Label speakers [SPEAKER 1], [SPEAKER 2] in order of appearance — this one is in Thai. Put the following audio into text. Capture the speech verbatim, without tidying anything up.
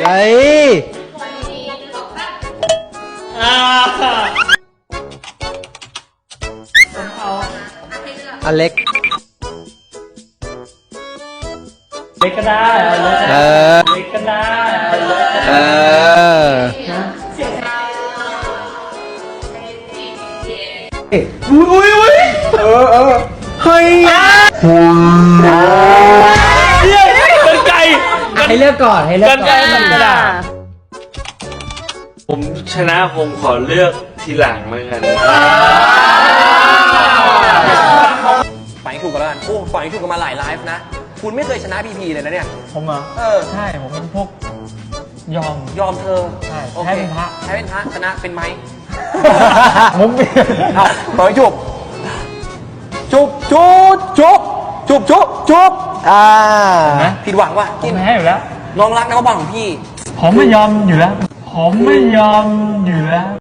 [SPEAKER 1] เฮ้ยอเล็ก
[SPEAKER 2] เล็กก็ได้เออเล็กก็ได้
[SPEAKER 1] เอออุ้ยอุ้ยอุ้ยเออเออเฮ้ย
[SPEAKER 2] กันไก่
[SPEAKER 1] ให้เลือกก่อนให้เลือกก่อนกันไก่มันกระดาษ
[SPEAKER 3] ผมชนะผมขอเลือกทีหลังแล้วกัน
[SPEAKER 4] ฝังถูกกันแล้วกันโอ้ฝังถูกกันมาหลายไลฟ์นะคุณไม่เคยชนะพีพีเลยนะเนี่ย
[SPEAKER 2] ผมเหรอ
[SPEAKER 4] เออ
[SPEAKER 2] ใช่ผมเป็นพวกยอม
[SPEAKER 4] ยอมเธอ
[SPEAKER 2] ใช่
[SPEAKER 4] โอเค
[SPEAKER 2] แพ้เป็นพระ
[SPEAKER 4] แพ้เป็นพระชนะเป็นไม้
[SPEAKER 2] ผม
[SPEAKER 4] เอาฝังจุบจุบจุบจุบจุบจุบจุบอ่าผิดหวังว่ะ
[SPEAKER 2] ผมแพ้อยู่แล้ว
[SPEAKER 4] น้องรักนะว่าบอลของพี่
[SPEAKER 2] ผมไม่ยอมอยู่แล้วผมไม่ยอมอยู่แล้ว